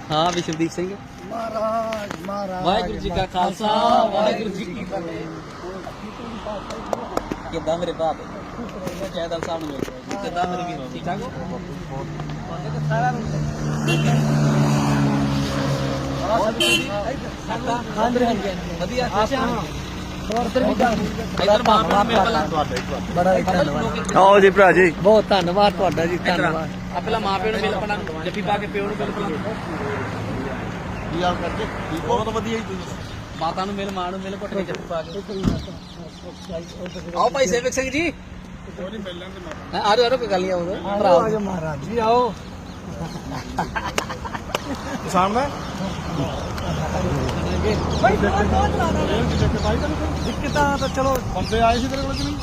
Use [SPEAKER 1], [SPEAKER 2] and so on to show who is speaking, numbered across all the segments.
[SPEAKER 1] ਹਾਂ ਵਿਸ਼ਵਦੀਪ ਸਿੰਘ
[SPEAKER 2] ਮਹਾਰਾਜ
[SPEAKER 1] ਵਾਹਿਗੁਰੂ ਜੀ ਕਾ ਖਾਲਸਾ ਵਾਹਿਗੁਰੂ ਜੀ ਕੀ ਫਤਿਹ। ਕਿੱਦਾਂ ਮੇਰੇ ਬਾਪ ਜੈਦਲ ਸਾਹਿਬ ਨੂੰ ਮਿਲ ਰਿਹਾ ਕਿੱਦਾਂ ਮੇਰੇ ਵੀਰ ਠੀਕ ਠਾਕ ਹੋ ਸਾਰਾ ਵਧੀਆ ਇਧਰ ਮਾਪਿਆਂ ਨੂੰ ਮਿਲ ਪਹਿਲਾਂ
[SPEAKER 2] ਬੜਾ ਧੰਨਵਾਦ।
[SPEAKER 3] ਆਓ ਜੀ ਭਰਾ ਜੀ,
[SPEAKER 2] ਬਹੁਤ ਧੰਨਵਾਦ ਤੁਹਾਡਾ ਜੀ, ਧੰਨਵਾਦ।
[SPEAKER 1] ਆ ਪਹਿਲਾਂ ਮਾਪਿਆਂ ਨੂੰ ਮਿਲ ਪਹਿਲਾਂ ਜੱਫੀ ਪਾ ਕੇ ਪਿਓ ਨੂੰ ਮਿਲ ਪਹਿਲਾਂ
[SPEAKER 3] ਕੀ ਹਾਲ ਕਰਦੇ? ਠੀਕ ਬਹੁਤ ਵਧੀਆ ਜੀ ਤੁਸੀਂ।
[SPEAKER 1] ਮਾਤਾ ਨੂੰ ਮਿਲ ਮਾਂ ਨੂੰ ਮਿਲ ਘੁੱਟ ਕੇ ਜੱਫੀ ਪਾ ਕੇ ਆਓ ਭਾਈ ਸੇਵਕ ਸਿੰਘ ਜੀ ਆ ਰਹੇ ਕੋਈ ਗੱਲ ਨਹੀਂ ਆਓ
[SPEAKER 2] ਆਓ ਮਹਾਰਾਜ ਜੀ ਆਓ
[SPEAKER 3] ਸਾਹਮਣੇ
[SPEAKER 2] ਦਿੱਕਤਾਂ ਤਾਂ ਚਲੋ
[SPEAKER 3] ਬੰਦੇ ਆਏ ਸੀ ਤੇਰੇ ਕੋਲ ਕਿ ਨਹੀਂ?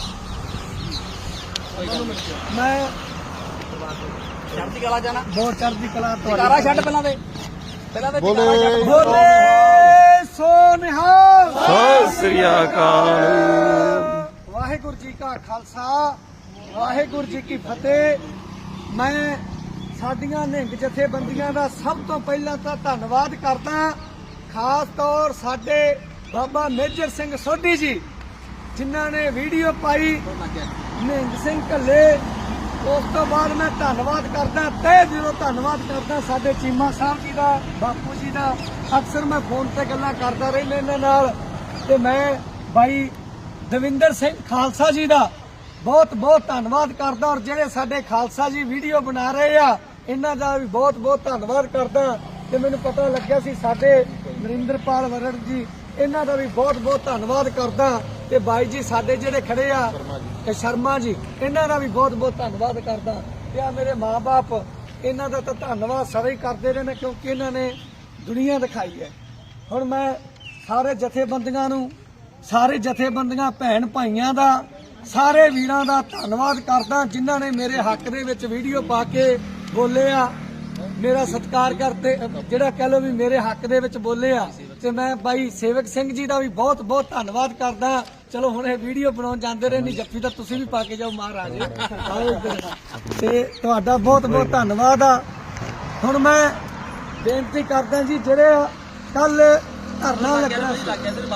[SPEAKER 2] ਮੈਂ
[SPEAKER 1] ਚੜ੍ਹਦੀ ਕਲਾ ਜਾਣਾ
[SPEAKER 2] ਬਹੁਤ ਚੜ੍ਹਦੀ ਕਲਾ
[SPEAKER 1] ਕਾਰਾ ਛੱਡ ਪਹਿਲਾਂ ਤੇ
[SPEAKER 3] ਬੋਲੇ
[SPEAKER 2] ਬੋਲੇ ਸੋ ਨਿਹਾਲ।
[SPEAKER 3] ਸਤਿ ਸ੍ਰੀ ਅਕਾਲ।
[SPEAKER 2] ਵਾਹਿਗੁਰੂ ਜੀ ਕਾ ਖਾਲਸਾ ਵਾਹਿਗੁਰੂ ਜੀ ਕੀ ਫਤਿਹ। ਮੈਂ ਸਾਡੀਆਂ ਨਿਹੰਗ ਜਥੇਬੰਦੀਆਂ ਦਾ ਸਭ ਤੋਂ ਪਹਿਲਾਂ ਤਾਂ ਧੰਨਵਾਦ ਕਰਦਾ, ਖਾਸ ਤੌਰ ਸਾਡੇ ਬਾਬਾ ਮੇਜਰ ਸਿੰਘ ਸੋਢੀ ਜੀ ਜਿਨ੍ਹਾਂ ਨੇ ਵੀਡੀਓ ਪਾਈ ਨਿਹੰਗ ਸਿੰਘ ਘੱਲੇ। ਉਸ ਤੋਂ ਬਾਅਦ ਮੈਂ ਧੰਨਵਾਦ ਕਰਦਾ, ਤਹਿ ਦਿਲੋਂ ਧੰਨਵਾਦ ਕਰਦਾ ਸਾਡੇ ਚੀਮਾ ਸਾਹਿਬ ਜੀ ਦਾ, ਬਾਪੂ ਜੀ ਦਾ। ਅਕਸਰ ਮੈਂ ਫੋਨ ਤੇ ਗੱਲਾਂ ਕਰਦਾ ਰਹਿੰਦਾ ਇਹਨਾਂ ਨਾਲ, ਤੇ ਮੈਂ ਬਾਈ ਦਵਿੰਦਰ ਸਿੰਘ ਖਾਲਸਾ ਜੀ ਦਾ ਬਹੁਤ ਬਹੁਤ ਧੰਨਵਾਦ ਕਰਦਾ, ਔਰ ਜਿਹੜੇ ਸਾਡੇ ਖਾਲਸਾ ਜੀ ਵੀਡੀਓ ਬਣਾ ਰਹੇ ਆ ਇਹਨਾਂ ਦਾ ਵੀ ਬਹੁਤ ਬਹੁਤ ਧੰਨਵਾਦ ਕਰਦਾ। ਤੇ ਮੈਨੂੰ ਪਤਾ ਲੱਗਿਆ ਸੀ ਸਾਡੇ ਨਰਿੰਦਰਪਾਲ ਵਰੜ ਜੀ, ਇਹਨਾਂ ਦਾ ਵੀ ਬਹੁਤ ਬਹੁਤ ਧੰਨਵਾਦ ਕਰਦਾ। ਤੇ ਬਾਈ ਜੀ ਸਾਡੇ ਜਿਹੜੇ ਖੜੇ ਆ ਤੇ ਸ਼ਰਮਾ ਜੀ, ਇਹਨਾਂ ਦਾ ਵੀ ਬਹੁਤ ਬਹੁਤ ਧੰਨਵਾਦ ਕਰਦਾ। ਤੇ ਆ ਮੇਰੇ ਮਾਂ-ਬਾਪ, ਇਹਨਾਂ ਦਾ ਤਾਂ ਧੰਨਵਾਦ ਸਾਰੇ ਹੀ ਕਰਦੇ ਰਹੇ ਨੇ, ਕਿਉਂਕਿ ਇਹਨਾਂ ਨੇ ਦੁਨੀਆ ਦਿਖਾਈ ਹੈ। ਹੁਣ ਮੈਂ ਸਾਰੇ ਜਥੇਬੰਦੀਆਂ ਨੂੰ, ਸਾਰੇ ਜਥੇਬੰਦੀਆਂ ਭੈਣ ਭਾਈਆਂ ਦਾ, ਸਾਰੇ ਵੀਰਾਂ ਦਾ ਧੰਨਵਾਦ ਕਰਦਾ ਜਿਨ੍ਹਾਂ ਨੇ ਮੇਰੇ ਹੱਕ ਦੇ ਵਿੱਚ ਵੀਡੀਓ ਪਾ ਕੇ ਬੋਲੇ ਆ, ਮੇਰਾ ਸਤਿਕਾਰ ਕਰਦੇ, ਜਿਹੜਾ ਕਹਿ ਲੋ ਵੀ ਮੇਰੇ ਹੱਕ ਦੇ ਵਿੱਚ ਬੋਲੇ ਆ। ਤੇ ਮੈਂ ਬਾਈ ਸੇਵਕ ਸਿੰਘ ਜੀ ਦਾ ਵੀ ਬਹੁਤ ਬਹੁਤ ਧੰਨਵਾਦ ਕਰਦਾ। ਚਲੋ ਹੁਣ ਇਹ ਵੀਡੀਓ ਬਣਾਉਣ ਜਾਂਦੇ ਰਹੇ, ਨਹੀਂ ਜੱਫੀ ਤਾਂ ਤੁਸੀਂ ਵੀ ਪਾ ਕੇ ਜਾਓ ਮਹਾਰਾਜ। ਤੇ ਤੁਹਾਡਾ ਬਹੁਤ ਬਹੁਤ ਧੰਨਵਾਦ ਆ। ਹੁਣ ਮੈਂ ਬੇਨਤੀ ਕਰਦਾ ਜੀ, ਜਿਹੜੇ ਕੱਲ ਧਰਨਾ ਲੱਗਣਾ ਸੀ,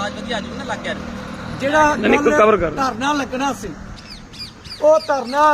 [SPEAKER 2] ਜਿਹੜਾ ਧਰਨਾ ਲੱਗਣਾ ਸੀ, ਉਹ ਧਰਨਾ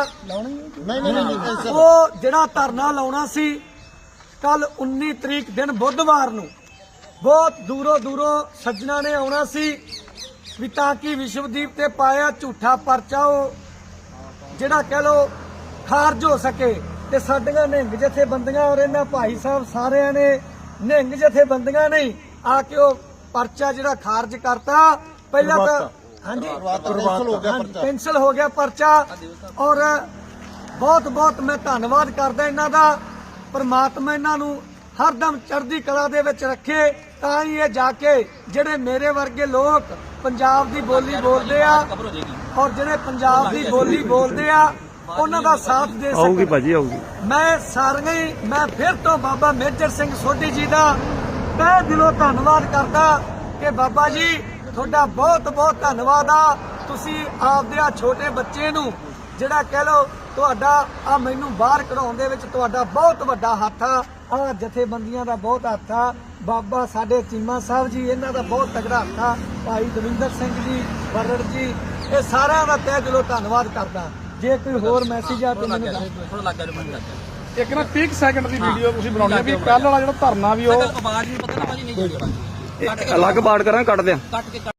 [SPEAKER 2] ਉਹ ਜਿਹੜਾ ਧਰਨਾ ਲਾਉਣਾ ਸੀ ਕੱਲ 19 ਤਰੀਕ ਦਿਨ ਬੁੱਧਵਾਰ ਨੂੰ, ਬਹੁਤ ਦੂਰੋਂ ਦੂਰੋਂ ਸੱਜਣਾ ਨੇ ਆਉਣਾ ਸੀ ਵੀ ਤਾਂ ਕਿ ਵਿਸ਼ਵਦੀਪ ਤੇ ਪਾਇਆ ਝੂਠਾ ਪਰਚਾ ਉਹ ਜਿਹੜਾ ਕਹਿ ਲੋ ਖਾਰਜ ਹੋ ਸਕੇ। ਤੇ ਸਾਡੀਆਂ ਨਿਹੰਗ ਜਥੇਬੰਦੀਆਂ ਔਰ ਇਹਨਾਂ ਭਾਈ ਸਾਹਿਬ ਸਾਰਿਆਂ ਨੇ ਨਿਹੰਗ ਜਥੇਬੰਦੀਆਂ ਨਹੀਂ ਆ ਕੇ ਉਹ ਪਰਚਾ ਜਿਹੜਾ ਖਾਰਜ ਕਰਤਾ। ਪਹਿਲਾਂ ਤਾਂ ਹਾਂਜੀ ਕੈਂਸਲ ਹੋ ਗਿਆ ਪਰਚਾ, ਔਰ ਬਹੁਤ ਬਹੁਤ ਮੈਂ ਧੰਨਵਾਦ ਕਰਦਾ ਇਹਨਾਂ ਦਾ। ਪਰਮਾਤਮਾ ਇਹਨਾਂ ਨੂੰ ਹਰਦਮ ਚੜ੍ਹਦੀ ਕਲਾ ਦੇ ਵਿੱਚ ਰੱਖੇ, ਤਾਂ ਹੀ ਇਹ ਜਾ ਕੇ ਜਿਹੜੇ ਮੇਰੇ ਵਰਗੇ ਲੋਕ ਪੰਜਾਬ ਦੀ ਬੋਲੀ ਬੋਲਦੇ ਆ, ਔਰ ਜਿਹੜੇ ਪੰਜਾਬ ਦੀ ਬੋਲੀ ਬੋਲਦੇ ਆ ਉਹਨਾਂ ਦਾ ਸਾਥ ਦੇ
[SPEAKER 3] ਆਊਗੀ ਭਾਜੀ ਆਊਗੀ।
[SPEAKER 2] ਮੈਂ ਸਾਰੀਆਂ ਹੀ ਮੈਂ ਫਿਰ ਤੋਂ ਬਾਬਾ ਮੇਜਰ ਸਿੰਘ ਸੋਢੀ ਜੀ ਦਾ ਤਹਿ ਦਿਲੋਂ ਧੰਨਵਾਦ ਕਰਦਾ ਕਿ ਬਾਬਾ ਜੀ ਤੁਹਾਡਾ ਬਹੁਤ ਬਹੁਤ ਧੰਨਵਾਦ ਆ। ਤੁਸੀਂ ਆਪਦੇ ਆ ਛੋਟੇ ਬੱਚੇ ਨੂੰ ਜਿਹੜਾ ਕਹਿ ਲੋ ਤੁਹਾਡਾ ਆ ਮੈਨੂੰ ਬਾਹਰ ਕਢਾਉਣ ਦੇ ਵਿੱਚ ਤੁਹਾਡਾ ਬਹੁਤ ਵੱਡਾ ਹੱਥ ਆ, ਆ ਜਥੇਬੰਦੀਆਂ ਦਾ ਬਹੁਤ ਹੱਥ ਆ। ਬਾਬਾ ਸਾਡੇ ਚੀਮਾ ਸਾਹਿਬ ਜੀ, ਇਹਨਾਂ ਦਾ ਬਹੁਤ ਤਗੜਾ ਹੱਥ ਆ। ਭਾਈ ਦਵਿੰਦਰ ਸਿੰਘ ਜੀ, ਵਰੜ ਜੀ, ਇਹ ਸਾਰਿਆਂ ਦਾ ਤਹਿ ਦਿਲੋਂ ਧੰਨਵਾਦ ਕਰਦਾ। ਜੇ ਕੋਈ ਹੋਰ ਮੈਸੇਜ ਆ ਤਾਂ ਮੈਨੂੰ
[SPEAKER 1] ਥੋੜਾ ਲੱਗ ਗਿਆ
[SPEAKER 3] ਇੱਕ ਨਾ 30 ਸੈਕਿੰਡ ਦੀ ਵੀਡੀਓ ਤੁਸੀਂ ਬਣਾਉਣੀ ਹੈ ਵੀ ਕੱਲ ਵਾਲਾ ਜਿਹੜਾ ਧਰਨਾ ਵੀ ਉਹ
[SPEAKER 1] ਆਵਾਜ਼ ਵੀ ਪਤਾ ਨਾ ਭਾਜੀ ਨਹੀਂ ਜੁੜੀ
[SPEAKER 3] ਅਲੱਗ ਬਾੜ ਕਰਾਂ ਕੱਟ ਦਿਆਂ।
[SPEAKER 1] ਕੱਟ ਕੇ